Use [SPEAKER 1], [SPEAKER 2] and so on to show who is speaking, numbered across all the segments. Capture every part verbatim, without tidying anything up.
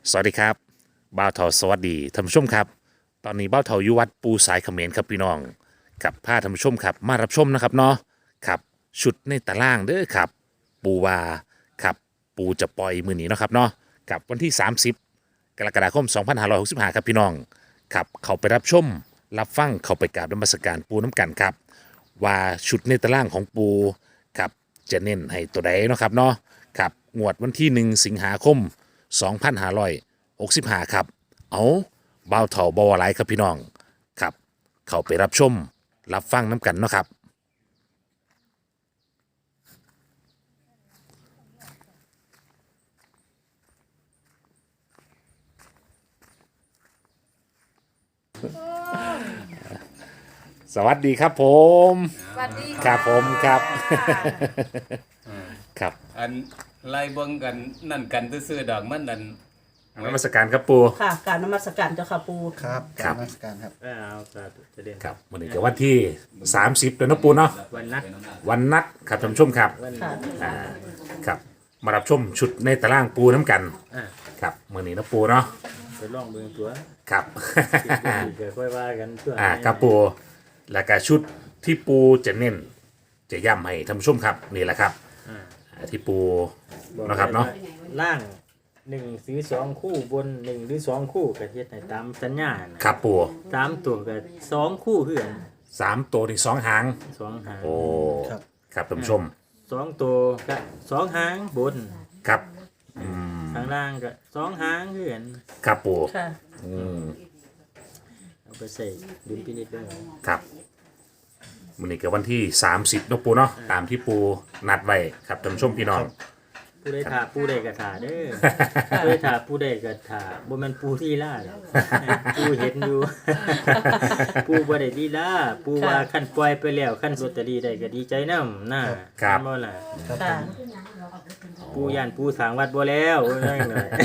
[SPEAKER 1] สวัสดีครับบ่าวเทาสวัสดีท่านผู้ชมครับตอนนี้บ่าวเทาอยู่วัดปูสายเขมรครับพี่น้องกับพาท่านผู้ชมครับมารับชมนะครับเนาะครับชุดในตารางเด้อครับปูวาครับปูจะปล่อยมือนี้เนาะครับเนาะกับวันที่ สามสิบ กรกฎาคม สองพันห้าร้อยหกสิบห้า ครับพี่น้องครับเขาไปรับชมรับฟังเขาไปกราบนมัสการปูน้ำกันครับว่าชุดในตารางของปูครับจะเน้นให้ตัวใดเนาะครับเนาะครับงวดวันที่หนึ่งสิงหาคม สองพันห้าร้อยหกสิบห้า ครับเอาเบาเถาเบาอะไรครับพี่น้องครับเขาไปรับชมรับฟังน้ำกันเนาะครับสวัสดีครับผม
[SPEAKER 2] สวัสดี
[SPEAKER 1] ครับผมครับ ครับ
[SPEAKER 3] อันไล่เบิ่งกันนั่นกันซื่อๆดอกมันนั่น
[SPEAKER 1] นมัสการครับปู
[SPEAKER 2] ค่ะการนมัสการเจ้าค่ะปู
[SPEAKER 4] ครับ
[SPEAKER 1] ครับ
[SPEAKER 4] นมัสการครับ
[SPEAKER 5] เอาสาธุเจริญ
[SPEAKER 1] ครับวันนี้ก็วันที่ สามสิบเดือนเนาะปูเนาะ
[SPEAKER 5] วันนัด
[SPEAKER 1] วันนัดครับท่านผู้ชมครับ
[SPEAKER 5] วัน
[SPEAKER 2] ค่ะ
[SPEAKER 1] อ่าครับมารับชมชุดในตารางปูน้ำกัน
[SPEAKER 5] อ่า
[SPEAKER 1] ครับมื่อนี้เนาะปูเนาะ
[SPEAKER 5] ไปลองเบิ่งตัว
[SPEAKER 1] ครับ
[SPEAKER 5] เกิดค่อยว่ากันตัว
[SPEAKER 1] อ่าครับปูแล้วก็ชุดที่ปูจะเน้นจะย้ำให้ท่านผู้ชมครับนี่แหละครับ
[SPEAKER 5] อ่า
[SPEAKER 1] อ่าที่ปูนะครับเนาะ
[SPEAKER 5] ล่างหนึ่งหรือสองคู่บนหนึ่งหรือสองคู่ก็เฮ็ดให้ตามสัญญานะครับ
[SPEAKER 1] ปู
[SPEAKER 5] สามตัวก็สองคู่คือกัน
[SPEAKER 1] สามตัวนี่สองหาง
[SPEAKER 5] สองหาง
[SPEAKER 1] โอ้
[SPEAKER 4] ครับ
[SPEAKER 1] ครับท่านผู้ชม
[SPEAKER 5] สองตัวก็สองหางบน
[SPEAKER 1] ครับอืม
[SPEAKER 5] ข้างล่างก็สองหางคือกัน
[SPEAKER 1] ครับปู
[SPEAKER 2] ค่ะ
[SPEAKER 1] อืม
[SPEAKER 5] เอาไปใส่ดุลพินิจเด้อ
[SPEAKER 1] ครับมื่อนี้ก็วันที่สามสิบเนาะปูเนาะตามที่ปูนัดไว้ครับท่านผู้ชมพี่น้อง
[SPEAKER 5] ผู้ใดถาผู้ใดก็ถาเด้อผู้ใดถาผู้ใดก็ถาบ่แม่นผู้ที่ล่าหรอกผู้เห็นอยู่ ผู้บ่ได้ดีล่าผู้ว่าคันปล่อยไปแล้วคันลอตเตอรี่ได้ก็ดีใจนำน่ะ
[SPEAKER 1] ครับ
[SPEAKER 5] บ่ล่ะ
[SPEAKER 4] ครับ
[SPEAKER 2] ค่ะ
[SPEAKER 5] ผู้ย่านผู้สร้างวัดบ่แล้วว่าจังได๋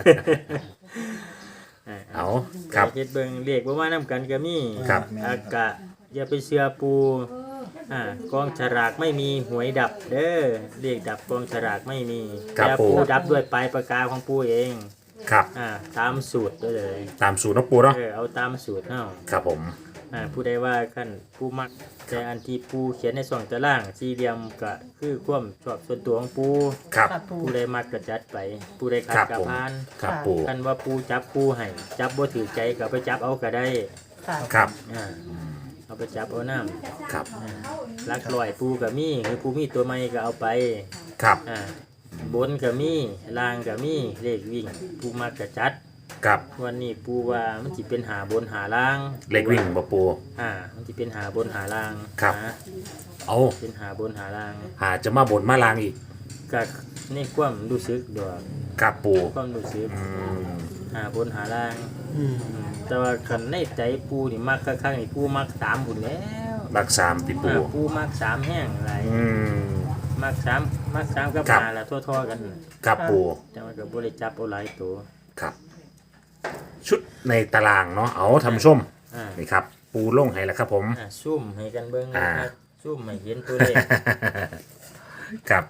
[SPEAKER 1] เอาครับ
[SPEAKER 5] เฮ็ดเบิ่งเลขบ่มานำกันก็มี
[SPEAKER 1] ครับ
[SPEAKER 5] อากะอย่าไปเชื่อปูอ่ากองฉลากไม่มีหวยดับเด้อเลขดับกองฉลากไม่มี
[SPEAKER 1] ครับ
[SPEAKER 5] แต่
[SPEAKER 1] ปู่
[SPEAKER 5] ปูดับด้วยปลายปากกาของปูเอง
[SPEAKER 1] ครับ
[SPEAKER 5] อ่าตามสูตรได้เลย
[SPEAKER 1] ตามสูตรเนาะปูเนาะ
[SPEAKER 5] เออเอาตามสูตรเฮา
[SPEAKER 1] ครับผม
[SPEAKER 5] อ่าผู้ใดว่าขั้นผู้มักแต่อันที่ปูเขียนในสองตารางสี่เหลี่ยมก็คือความชอบส่วนตัวของปู
[SPEAKER 1] ครับ
[SPEAKER 2] ค่ะปู
[SPEAKER 5] ผู้ใดมักก็จัดไป ผู้ใดขัด
[SPEAKER 1] ครับ
[SPEAKER 5] ก็
[SPEAKER 1] ผม
[SPEAKER 5] ผ่าน
[SPEAKER 1] ครับปู
[SPEAKER 5] คันว่าปูจับปูให้จับบ่ถือใจก็ไปจับเอาก็ได้
[SPEAKER 2] ค่ะ
[SPEAKER 1] ครับ
[SPEAKER 5] อ่าเอาไปจับเอาน้ำ
[SPEAKER 1] ครับ
[SPEAKER 5] ลักลอยปูก็มีคือปูมีตัวใหม่ก็เอาไป
[SPEAKER 1] ครับ
[SPEAKER 5] อ่าบนก็มีล่างก็มีเลขวิ่งปูมักก็จัด
[SPEAKER 1] ครับ
[SPEAKER 5] วันนี้ปูว่ามันสิเป็นหาบนหาล่าง
[SPEAKER 1] เล็กวิ่งบ่ปู
[SPEAKER 5] อ่ามันสิเป็นหาบนหาล่าง
[SPEAKER 1] ครับ
[SPEAKER 5] นะ
[SPEAKER 1] เอา
[SPEAKER 5] เป็นหาบนหาล่าง
[SPEAKER 1] หาจะมาบนมาลางอีก
[SPEAKER 5] ก็นี่ความรู้สึกดอก
[SPEAKER 1] ครับปู
[SPEAKER 5] ความรู้สึก
[SPEAKER 1] อืม
[SPEAKER 5] หาบนหาล่าง
[SPEAKER 4] อืม
[SPEAKER 5] อืมแต่ว่าคันในใจปูนี่มักข้างๆนี่ปูมักสามบุญแล้ว
[SPEAKER 1] รักสามติปู
[SPEAKER 5] อ่าปูมักสามแห้งอะไร
[SPEAKER 1] อืม
[SPEAKER 5] มักสามมักสามกับ
[SPEAKER 1] ครับ
[SPEAKER 5] หาละทั่วๆกัน
[SPEAKER 1] ครับปู
[SPEAKER 5] แต่ว่าก็บ่ได้จับเอาหลายตัว
[SPEAKER 1] ครับ ชุดในตารางเนาะเอาทำชม
[SPEAKER 5] อ่า
[SPEAKER 1] นี่ครับ ปูลงให้แล้วครับผม
[SPEAKER 5] อ่าซุ่มให้กันเบิ่ง
[SPEAKER 1] อ่า
[SPEAKER 5] นะครับซุ่มให้เห็นตัวเลข
[SPEAKER 1] ครับ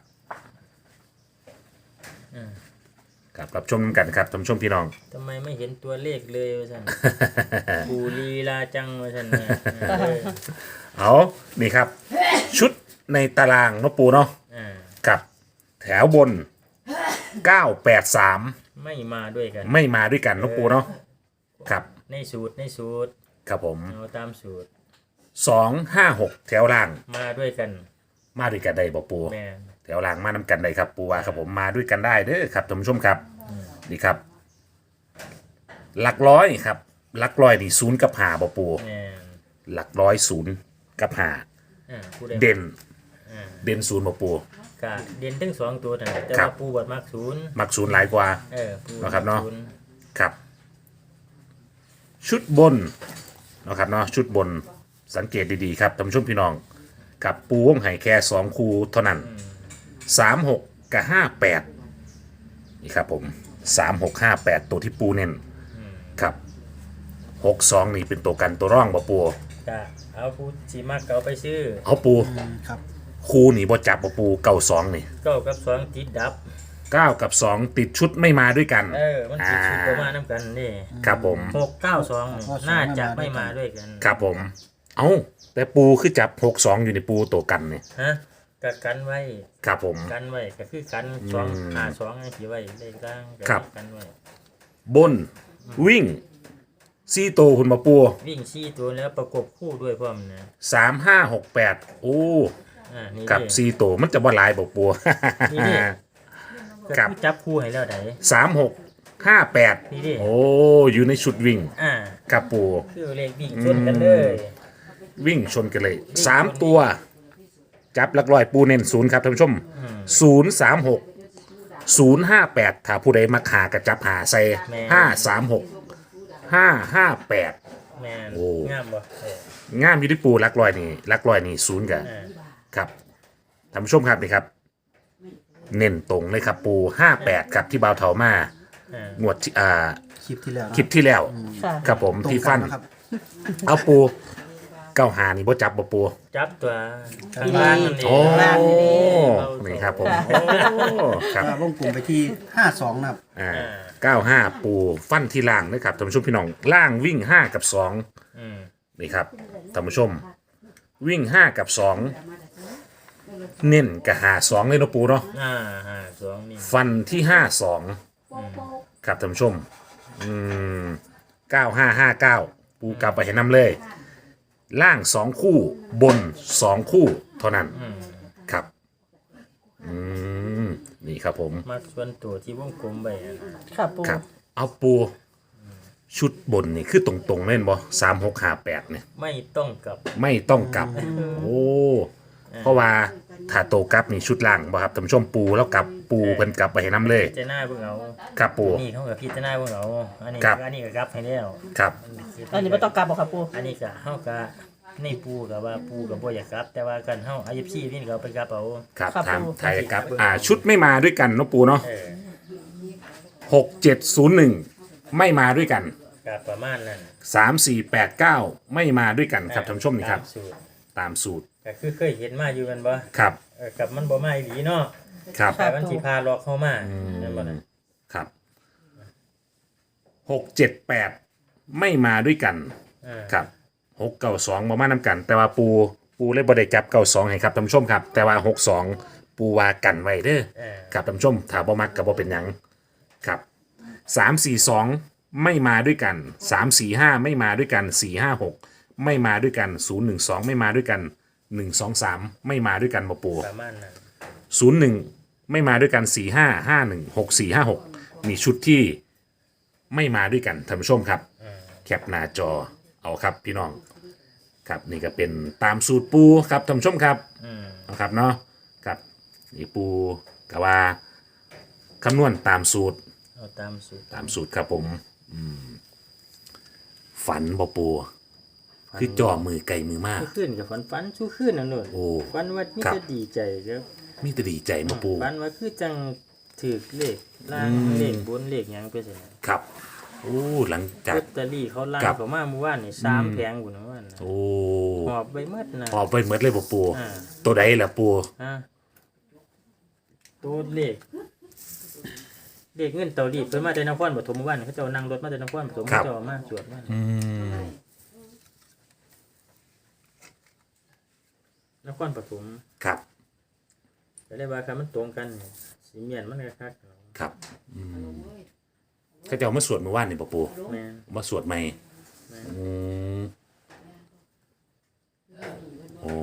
[SPEAKER 5] อ่า
[SPEAKER 1] ครับรับชมกันครับท่านผู้ชมพี่น้อง
[SPEAKER 5] ทำไมไม่เห็นตัวเลขเลยว่าซั่น ปูลีลาจังว่าซั่นเนี่ยเออ
[SPEAKER 1] เอานี่ครับ ชุดในตารางเนาะปูเนาะ
[SPEAKER 5] อ่า
[SPEAKER 1] กับแถวบนเก้าแปดสาม
[SPEAKER 5] ไม่มาด้วยกัน
[SPEAKER 1] ไม่มาด้วยกันเนาะปูเนาะครับ
[SPEAKER 5] ในสูตรในสูตร
[SPEAKER 1] ครับผม
[SPEAKER 5] เอาตามสูตร
[SPEAKER 1] สองห้าหกแถวล่าง
[SPEAKER 5] มาด้วยกัน
[SPEAKER 1] มาด้วยกันได้บ่ปู
[SPEAKER 5] แม่น
[SPEAKER 1] แถวล่างมานำกันได้ครับปูว่าครับผมมาด้วยกันได้เด้อครับท่านผู้ชมครับนี่ครับ หลักร้อยครับ หลักร้อยนี่ศูนย์กับหาบ่ปู
[SPEAKER 5] แม่น
[SPEAKER 1] หลักร้อยศูนย์กับหา
[SPEAKER 5] อ่าผู้ใด
[SPEAKER 1] เด่น
[SPEAKER 5] อ่า
[SPEAKER 1] เด่นศูนย์บ่ปู
[SPEAKER 5] กะเด่นทั้งสองตัวนั่นแหละแต่
[SPEAKER 1] ครั
[SPEAKER 5] ว่า
[SPEAKER 1] บ
[SPEAKER 5] ปูบัดมักศูนย์
[SPEAKER 1] มักศูนย์หลายกว่า
[SPEAKER 5] เออปู
[SPEAKER 1] เนาะครับเนาะ
[SPEAKER 5] ศูย์
[SPEAKER 1] ครับ ชุดบนเนาะครับเนาะชุดบนสังเกตดีๆครับท่านผู้ชมพี่น้อง กับปูวงไห่แค่สองคูเท่านั้นสามหกกับห้าแปดนี่ครับผมสามหกห้าแปดตัวที่ปูเน้นครับหกสองนี่เป็นตัวกันตัวร่องบ่ปู
[SPEAKER 5] กะเอาผู้สิมักก็เอาไปซื้อ
[SPEAKER 1] เอาปู
[SPEAKER 4] อืมครับ
[SPEAKER 1] คูนี่บ่จับบ่ปูเก่าสองนี่
[SPEAKER 5] เก้ากับสองติดดับ
[SPEAKER 1] เก้ากับสองติดชุดไม่มาด้วยกัน
[SPEAKER 5] เออมันติดชุดประมาณน้ำกันนี่
[SPEAKER 1] ครับผม
[SPEAKER 5] หกเก้าสองน่าจะไม่มาด้วยกัน
[SPEAKER 1] ครับผม เอ้าแต่ปูคือจับหกสองอยู่ในปูตัวกันเนี่ย
[SPEAKER 5] ฮะก็กันไว้
[SPEAKER 1] ครับผม
[SPEAKER 5] กันไว้ก็คือกันสอง
[SPEAKER 1] อืม
[SPEAKER 5] ห้าสองไอ้ที่ไว้เลขกลางก็
[SPEAKER 1] ครับ
[SPEAKER 5] กันไว้
[SPEAKER 1] บนวิ่งซี่โตวคุณมาปู
[SPEAKER 5] วิ่งซี่ตัวแล้วประกบคู่ด้วยพร้อมนะ
[SPEAKER 1] สามห้าหกแปดโอ้
[SPEAKER 5] อ่านี่
[SPEAKER 1] กับ
[SPEAKER 5] ดิ
[SPEAKER 1] ซี่โตวมันจะบ่หลายบอกปู
[SPEAKER 5] นี่ดิ ก็
[SPEAKER 1] ครับ
[SPEAKER 5] คือจับคู่ให้แล้วได
[SPEAKER 1] สามหกห้าแปด
[SPEAKER 5] นี่ดิ
[SPEAKER 1] โอ้อยู่ในชุดวิ่ง
[SPEAKER 5] อ่า
[SPEAKER 1] กับปู
[SPEAKER 5] คือเลขวิ่งชนกันเลย
[SPEAKER 1] วิ่งชนกันเลยสามตัว จับหลักร้อยปูเน้นศูนย์ครับท่านผู้ชมศูนย์สามหกศูนย์ห้าแปดถ้าผู้ใดมาขากระจับหาใส่ห้าสามหกห้าห้าแปด
[SPEAKER 5] แม่น
[SPEAKER 1] โอ้
[SPEAKER 5] งามบ่เออง
[SPEAKER 1] ามอยู่ที่ปูหลักร้อยนี่หลักร้อยนี่ศูนย์กัน
[SPEAKER 5] อ่า
[SPEAKER 1] ครับท่านผู้ชมครับนี่ครับ เน้นตรงเลยครับปูห้าแปดครับที่บาวเถามา
[SPEAKER 5] อ่า
[SPEAKER 1] งวดที่อ่า
[SPEAKER 4] คลิปที่แล้วนะ
[SPEAKER 1] คลิปที่แล้ว
[SPEAKER 2] ค่ะ
[SPEAKER 1] ครับผม
[SPEAKER 4] ตรง
[SPEAKER 1] ที่
[SPEAKER 4] กั
[SPEAKER 1] ฟั
[SPEAKER 4] น
[SPEAKER 1] น
[SPEAKER 4] นะครับ
[SPEAKER 1] เอาปูเก้าหานี่บ่จับบ่ปู
[SPEAKER 5] จับตัวข้างล่างนั่นเอง
[SPEAKER 1] โอ้
[SPEAKER 2] ล่างนี่เอง
[SPEAKER 1] นี่ครับผม
[SPEAKER 2] ค่ะ
[SPEAKER 1] โอ้ครับ
[SPEAKER 4] ก็วงกลุ่มไปที่ห้าสองนะครับ
[SPEAKER 1] อ่าเก้าห้าปูฟันที่ล่างนะครับท่านผู้ชมพี่น้องล่างวิ่งห้ากับสอง
[SPEAKER 5] อืม
[SPEAKER 1] นี่ครับท่านผู้ชม วิ่งห้ากับสองเน้นกับหาสองเลยเนาะปูเนาะ
[SPEAKER 5] อ่าห้าสองนี่
[SPEAKER 1] ฟันที่ห้าสองครับท่านผู้ชมอืมเก้าห้าห้าเก้าปูกลับไปเห็นน้ำเลย ล่างสองคู่บนสองคู่เท่านั้นครับอืมนี่ครับผม
[SPEAKER 5] มาส่วนตัวที่วงกลมไปอะนะ
[SPEAKER 2] ค่ะปู
[SPEAKER 1] ครับ เอาปูชุดบนนี่คือตรงๆเล่นบ่สามหกห้าแปดเนี่ย
[SPEAKER 5] ไม่ต้องกลับ
[SPEAKER 1] ไม่ต้องกลับ โอ้ เพราะว่าถ้าโตกลับนี่ชุดล่างบ่ครับท่านผู้ชมปูแล้วกลับปูเพิ่นกลับไปให้น้ำเลย
[SPEAKER 5] พิจารณาเบิ่งเอา
[SPEAKER 1] ครับปู
[SPEAKER 5] นี่เขากับพิจารณาเบิ่งเอาอันนี้
[SPEAKER 1] ครับ
[SPEAKER 5] อันนี้ก็กลับให้แล้ว
[SPEAKER 1] ครับ
[SPEAKER 2] อันนี้ไม่ต้องกลับบอกค่ะปู
[SPEAKER 5] อันนี้ก็เฮาก็ในปูกับว่าปูกับบ่อยากกลับ แต่ว่ากันเฮาอายุพี่นี่ก็เอาไปกลับเอา
[SPEAKER 1] ครับทางไทยครับอ่าชุดไม่มาด้วยกันเนาะปูเนาะ
[SPEAKER 5] เออ
[SPEAKER 1] หกเจ็ดศูนย์หนึ่งไม่มาด้วยกัน
[SPEAKER 5] ก็ประมาณนั้น
[SPEAKER 1] สามสี่แปดเก้าไม่มาด้วยกันครับท่านผู้ชมนี่ครับ
[SPEAKER 5] ตามสูตร
[SPEAKER 1] ตามสูตร
[SPEAKER 5] ก็คือเคยเห็นมาอยู่กันบ่
[SPEAKER 1] ครับ
[SPEAKER 5] เออกับมันบ่มาอีหลีเนาะ
[SPEAKER 1] ครับ
[SPEAKER 5] แต่มันสิพาหลอกเข้ามานั่นบ่น่ะ
[SPEAKER 1] ครับหกเจ็ดแปดไม่มาด้วยกัน
[SPEAKER 5] อ่า
[SPEAKER 1] ครับหกเก้าสองมามานำกัน แต่ว่าปูปูเลยบไดจับเก้าสองให้ครับท่านผู้ชมครับ แต่ว่าหกสองปูวากันไว้เด้อ
[SPEAKER 5] เออ
[SPEAKER 1] ครับท่านผู้ชมถ้าบ่มักกับบ่เป็นหยังครับสามสี่สองไม่มาด้วยกันสามสี่ห้าไม่มาด้วยกันสี่ห้าหกไม่มาด้วยกันศูนย์หนึ่งสองไม่มาด้วยกันหนึ่งสองสามไม่มาด้วยกันบ่ปู
[SPEAKER 5] ประมาณนั้น
[SPEAKER 1] ศูนย์หนึ่งไม่มาด้วยกันสี่ห้าห้าหนึ่งหกสี่ห้าหกมีชุดที่ไม่มาด้วยกันท่านผู้ชมครับ แคปหน้าจอเอาครับพี่น้องครับนี่ก็เป็นตามสูตรปูครับท่านผู้ชมครับ
[SPEAKER 5] อืม
[SPEAKER 1] นะครับเนาะครับนี่ปูกะว่าคำนวณตามสูตร
[SPEAKER 5] เอาตามสูตร
[SPEAKER 1] ตามสูตรครับผมอืมฝันบ่ปูคือจ่อมือไก่มือมาก
[SPEAKER 5] สู้ขึ้นกับฝันฝันสู้ขึ้นนั่นนู่น
[SPEAKER 1] โอ้
[SPEAKER 5] ฝันว่ามี
[SPEAKER 1] ครับ
[SPEAKER 5] แต่ดีใจครับ
[SPEAKER 1] มีแต่ดีใจมาปู
[SPEAKER 5] ฝันว่าคือจังถือเลขล่างเลขบนเลขหยังไปสินะครับ
[SPEAKER 1] โอ้หลังจาก
[SPEAKER 5] ลอตเตอรี่เขาล่าง
[SPEAKER 1] ครับ
[SPEAKER 5] เขามาเมื่อวานนี่สามแผงบุญเมื่อวานน่ะ
[SPEAKER 1] โอ้
[SPEAKER 5] หอบไปหมดนะ
[SPEAKER 1] ออกไปหมดเลยบ่ปู
[SPEAKER 5] อ่า
[SPEAKER 1] ตัวใดล่ะปู
[SPEAKER 5] ฮะตัวเลขเลขเงินเตารีดเพิ่นมาแต่นครปฐมเมื่อวานเขาเจ้านั่งรถมาแต่นครปฐมเขาเจ้ามาสวดมา
[SPEAKER 1] อืม
[SPEAKER 5] นครปฐม
[SPEAKER 1] ครับ
[SPEAKER 5] ก็เลยว่าคันมันตรงกันนี่สิเมียนมันก็คัก
[SPEAKER 1] ครับอืมเขาจะเอามาสวดเมื่อวานนี่บ่ปู
[SPEAKER 5] แม่น
[SPEAKER 1] มาสวดใหม่อืมโอ้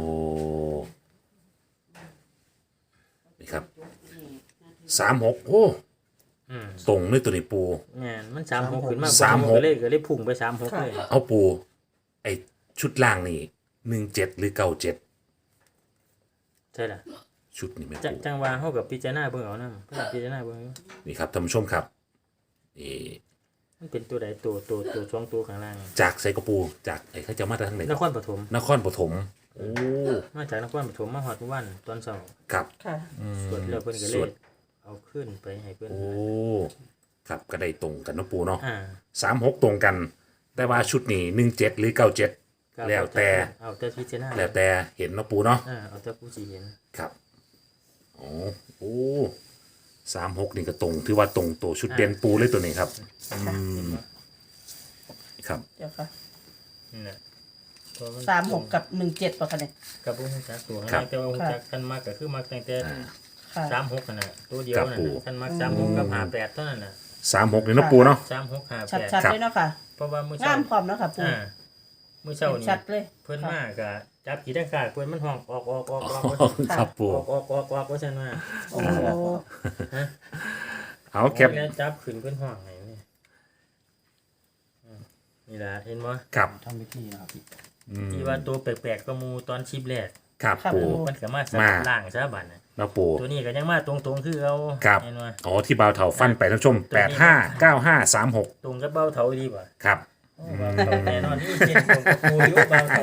[SPEAKER 1] นี่ครับสามหกโอ้
[SPEAKER 5] อืม
[SPEAKER 1] ตรงเลยตัวนี้ปู
[SPEAKER 5] แม่นมันสามหกขึ้นมา
[SPEAKER 1] สามหก
[SPEAKER 5] ก็เลยก็เลยพุ่งไปสามหกเลย
[SPEAKER 1] เอาปูไอชุดล่างนี่หนึ่งเจ็ดหรือเก้าเจ็ด
[SPEAKER 5] ใช่ล่ะ
[SPEAKER 1] ชุดนี่ไหม
[SPEAKER 5] จัง
[SPEAKER 1] ปู
[SPEAKER 5] จังว่าเฮากับพิจารณาเบิ่งเอานำพิจารณาเบิ่งอยู่
[SPEAKER 1] นี่ครับท่านผู้ชมครับนี่
[SPEAKER 5] มันเป็นตัวใดตัวตัวตัวช่องตัวข้างล่าง
[SPEAKER 1] จากไซกระปู จากไอ้เขาจะมาจากทางไหน
[SPEAKER 5] นครปฐม
[SPEAKER 1] นครปฐมโอ้
[SPEAKER 5] มาจากนครปฐมมาฮอดเมื่อวันตอนเช้า
[SPEAKER 1] ครับ
[SPEAKER 2] ค่ะ
[SPEAKER 5] สวดแล้วเพิ่นก็เล
[SPEAKER 1] สวย ด
[SPEAKER 5] เอาขึ้นไปให้เพิ่น
[SPEAKER 1] โอ้ครับก็ได้ตรงกันเนาะปูเนาะ
[SPEAKER 5] อ่า
[SPEAKER 1] สามหกตรงกัน แต่ว่าชุดนี้หนึ่งเจ็ดหรือเก้าเจ็ด
[SPEAKER 5] ก็
[SPEAKER 1] แล้วแต่
[SPEAKER 5] เอาแต่พิจารณา
[SPEAKER 1] แล้วแต่เห็นเนาะปูเนาะ
[SPEAKER 5] อ่าเอาแต่ผู้สิเห็น
[SPEAKER 1] ครับโอ้โอ้สามหกนี่ก็ตรงถือว่าตรงตัวชุดเด่นปูเลยตัวนี้ครับอืมครับ
[SPEAKER 2] เดี๋ยวค่ะ
[SPEAKER 5] นี่แหละตัว
[SPEAKER 2] สามหกกับหนึ่งเจ็ดป่ะคะเนี่ย
[SPEAKER 5] กับบ่ฮู้จักตัว
[SPEAKER 1] ครับ
[SPEAKER 5] แต่ว่าฮู้จักกันมากก็คือมักตั้งแต่
[SPEAKER 2] ค่ะ
[SPEAKER 5] สามหกนั่นน่ะตัวเดียว
[SPEAKER 1] ครับ
[SPEAKER 5] นั่น
[SPEAKER 1] ปู่
[SPEAKER 5] น่ะคันมักสามหกกับห้าแปดเท่านั้นน่ะ
[SPEAKER 1] สามหกนี่เนาะปูเนาะ
[SPEAKER 5] สามหกห้า
[SPEAKER 2] ชัด
[SPEAKER 5] แปด
[SPEAKER 2] ชัด
[SPEAKER 1] ครับ
[SPEAKER 2] เลยเนาะค่ะ
[SPEAKER 5] เพราะว่ามื้อ
[SPEAKER 2] งา
[SPEAKER 5] เช้าม
[SPEAKER 2] พร้อมเนาะค่ะปู
[SPEAKER 5] อ่ามื้อเช้า
[SPEAKER 2] เห็น
[SPEAKER 5] นี่
[SPEAKER 2] ชัดเลย
[SPEAKER 5] เพิ่นมาก็จับกี่ดังขาดเพิ่นมันห้องออกออกออกออกออก
[SPEAKER 1] ครับปู
[SPEAKER 5] ออกออกออกออกว่าซั่นว่า
[SPEAKER 2] โอ้
[SPEAKER 5] ฮะ
[SPEAKER 1] เอาแคป
[SPEAKER 5] แล้วจับขึ้นเพิ่นห้องให้นี่อืมนี่ล่ะเห็นบ่
[SPEAKER 1] ครับ
[SPEAKER 4] ทำพิธีนะครับพี่
[SPEAKER 1] อืม
[SPEAKER 5] ที่ว่าตัวแปลกๆก็มูตอนชิปแรก
[SPEAKER 1] ครับปู
[SPEAKER 5] มันก็มาส
[SPEAKER 1] มา
[SPEAKER 5] ลับล่างซะบัดน่ะ
[SPEAKER 1] เนาะปู
[SPEAKER 5] ตัวนี้ก็ยังมาตรงๆคือเอา
[SPEAKER 1] ครับ
[SPEAKER 5] เห็นบ่
[SPEAKER 1] อ๋อที่บ่าวเถาฟันไปท่านผู้ชมแปดห้าเก้าห้าสามหก
[SPEAKER 5] ตรงกับเบ้าเถาดีบ่
[SPEAKER 1] ครับ
[SPEAKER 5] โอ้เบ้าเถาแน่นอนนี่เจ็ดตรงกับปูอยู่เบ้าเถา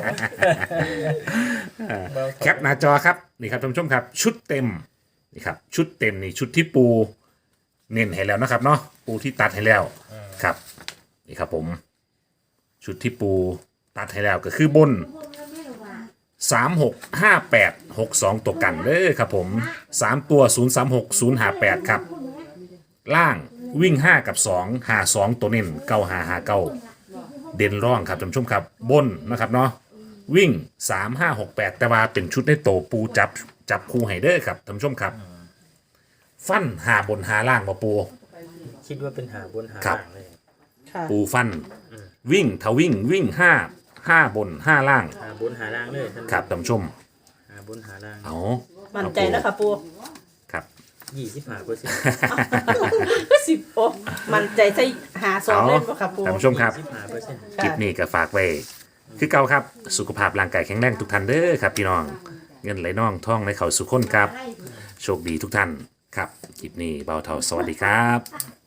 [SPEAKER 5] เบ้าเถา
[SPEAKER 1] แคปหน้าจอครับนี่ครับท่านผู้ชมครับ ชุดเต็มนี่ครับชุดเต็มนี่ชุดที่ปู เน้นให้แล้วนะครับเนาะปูที่ตัดให้แล้วครับนี่ครับผม ชุดที่ปูตัดให้แล้วก็คือบนสามหกห้าแปดหกสองตัวกันเลยครับผมสามตัวศูนย์สามหกศูนย์ห้าแปดครับ ล่างวิ่งห้ากับสองหาสองตัวเน้นเก้าหาหาเก้าเด่นร่องครับท่านผู้ชมครับบนนะครับเนาะวิ่งสามห้าหกแปดแต่ว่าเป็นชุดในโตปูจับจับคู่ไฮเดอร์ครับท่านผู้ชมครับ ฟันหาบนหาล่างมาปู
[SPEAKER 5] คิดว่าเป็นหาบนหา
[SPEAKER 1] ครับ
[SPEAKER 5] ล่างเลย
[SPEAKER 2] ค่ะ
[SPEAKER 1] ปูฟัน วิ่งถ้าวิ่งวิ่งห้าห้าบนห้าล่าง
[SPEAKER 5] หาบนหาล่างเลยท่าน
[SPEAKER 1] ครับท่านผู้ชม
[SPEAKER 5] หาบนหาล่าง
[SPEAKER 1] เอา
[SPEAKER 2] มั่นใจแล้วค่ะปู
[SPEAKER 1] ครับ
[SPEAKER 5] ยี่สิบห้าเปอร์เซ็นต์
[SPEAKER 2] สิบโอ้มั่นใจใส่หาสองเล่นป่ะค่ะปู
[SPEAKER 1] ท่านผู้ชมครับ
[SPEAKER 5] ยี่สิบห้าเปอร์เซ็นต์
[SPEAKER 1] คลิปนี้ก็ฝากไว้ คือเก่าครับ สุขภาพร่างกายแข็งแรงทุกท่านเด้อครับพี่น้อง เงินไหลน่องท่องในเขาสุขคนครับ โชคดีทุกท่านครับ คลิปนี้เบาเท่าสวัสดีครับ